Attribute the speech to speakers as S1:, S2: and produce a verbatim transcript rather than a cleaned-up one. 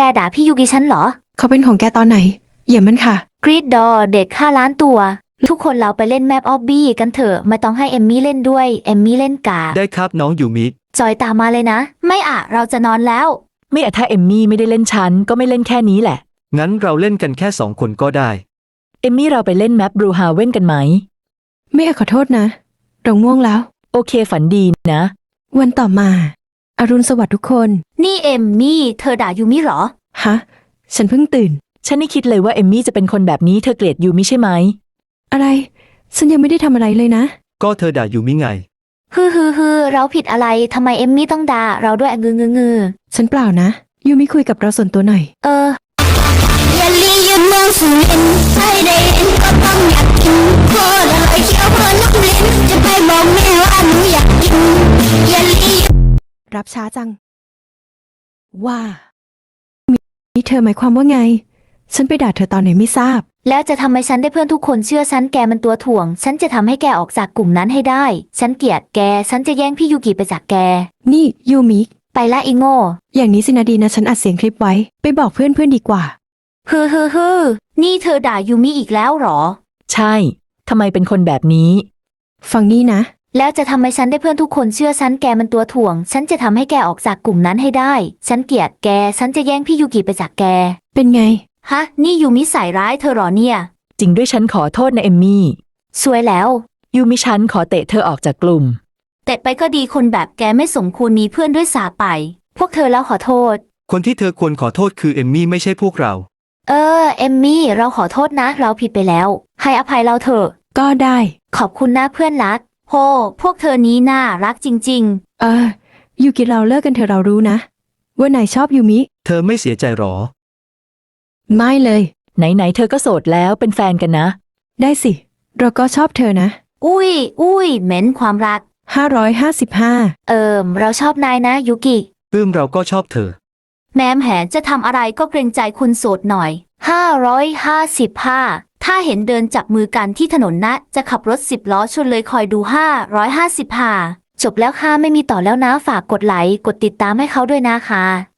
S1: ด่าพี่ยูกิฉันเหรอ
S2: เขาเป็นของแกตอนไหนเหยียบมันค่ะ
S1: กรีดดอเด็กห้าล้านตัวทุกคนเราไปเล่นแมปออบบี้กันเถอะไม่ต้องให้เอมมี่เล่นด้วยเอมมี่เล่นกา
S3: ได้ครับน้องยูมิ
S1: จอยตามมาเลยนะไม่อะเราจะนอนแล้ว
S4: ไม่อะถ้าเอมมี่ไม่ได้เล่นฉันก็ไม่เล่นแค่นี้แหละ
S3: งั้นเราเล่นกันแค่สองคนก็ได้
S4: เอมมี่เราไปเล่นแมปบรูฮาเว่นกันไหม
S2: ไม่ขอโทษนะเราง่วงแล้ว
S4: โอเคฝันดีนะ
S2: วันต่อมาอรุณสวัสดิ์ทุกคน
S1: นี่เอมมี่เธอด่ายูมิเหรอ
S2: ฮะฉันเพิ่งตื่น
S4: ฉันไม่คิดเลยว่าเอมมี่จะเป็นคนแบบนี้เธอเกลียดยูมิใช่ไหม
S2: อะไรฉันยังไม่ได้ทำอะไรเลยนะ
S3: ก็เธอด่ายูมิไง
S1: ฮือฮือฮือเราผิดอะไรทำไมเอมมี่ต้องด่าเราด้วยงืองืองือ
S2: ฉันเปล่านะยูมิคุยกับเราส่วนตัวหน่อย
S1: เออ
S5: อย่าลียืนเมืองสุรินทร์ใครได้เห็นก็ต้องอยากกินโคตรอร่อยเคี้ยวเพลินน้ำลิ้นจะไปบอกแม่ว่าหนูอยากกินอย่าลี
S2: รับช้าจังว่ามีเธอหมายความว่าไงฉันไปด่าเธอตอนไหนไม่ทราบ
S1: แล้วจะทำให้ฉันได้เพื่อนทุกคนเชื่อฉันแกมันตัวถ่วงฉันจะทำให้แกออกจากกลุ่มนั้นให้ได้ฉันเกลียดแกฉันจะแย่งพี่ยูกิไปจากแก
S2: นี่ยูมิ
S1: ไปละอีโง่
S2: อย่างนี้สินะดีนะฉันอัดเสียงคลิปไว้ไปบอกเพื่อนเพื่อนดีกว่า
S1: ฮือฮือฮือนี่เธอด่ายูมิอีกแล้วหรอ
S4: ใช่ทำไมเป็นคนแบบนี้
S2: ฟังนี่นะ
S1: แล้วจะทำให้ฉันได้เพื่อนทุกคนเชื่อฉันแกมันตัวถ่วงฉันจะทำให้แกออกจากกลุ่มนั้นให้ได้ฉันเกลียดแกฉันจะแย่งพี่ยูกิไปจากแก
S2: เป็นไง
S1: ฮะนี่ยูมิใส่ร้ายเธอหรอเนี่ย
S4: จริงด้วยฉันขอโทษนะเอมมี่
S1: สวยแล้ว
S4: ยูมิฉันขอเตะเธอออกจากกลุ่ม
S1: เตะไปก็ดีคนแบบแกไม่สมควรมีเพื่อนด้วยสาไปพวกเธอแล้วขอโทษ
S3: คนที่เธอควรขอโทษคือเอมมี่ไม่ใช่พวกเรา
S1: เออเอมมี่เราขอโทษนะเราผิดไปแล้วให้อภัยเราเถอะ
S2: ก็ได้
S1: ขอบคุณนะเพื่อนรักโหพวกเธอนี้น่ารักจริง
S2: ๆเออยูกิเราเลิกกันเถอะเรารู้นะว่านายชอบยูมิ
S3: เธอไม่เสียใจหรอ
S2: ไม่เลย
S4: ไหนๆเธอก็โสดแล้วเป็นแฟนกันนะ
S2: ได้สิเราก็ชอบเธอนะ
S1: อุ้ยอุ้ยเหม็นความรัก
S2: ห้าร้อยห้าสิบห้า
S1: เอิมเราชอบนายนะยูกิ
S3: ปื้มเราก็ชอบเธอ
S1: แม้มแหนจะทำอะไรก็เกรงใจคุณโสดหน่อยห้าร้อยห้าสิบห้าถ้าเห็นเดินจับมือกันที่ถนนนะจะขับรถสิบล้อชนเลยคอยดูห้าร้อยห้าสิบห้าจบแล้วค่ะไม่มีต่อแล้วนะฝากกดไลค์กดติดตามให้เขาด้วยนะคะ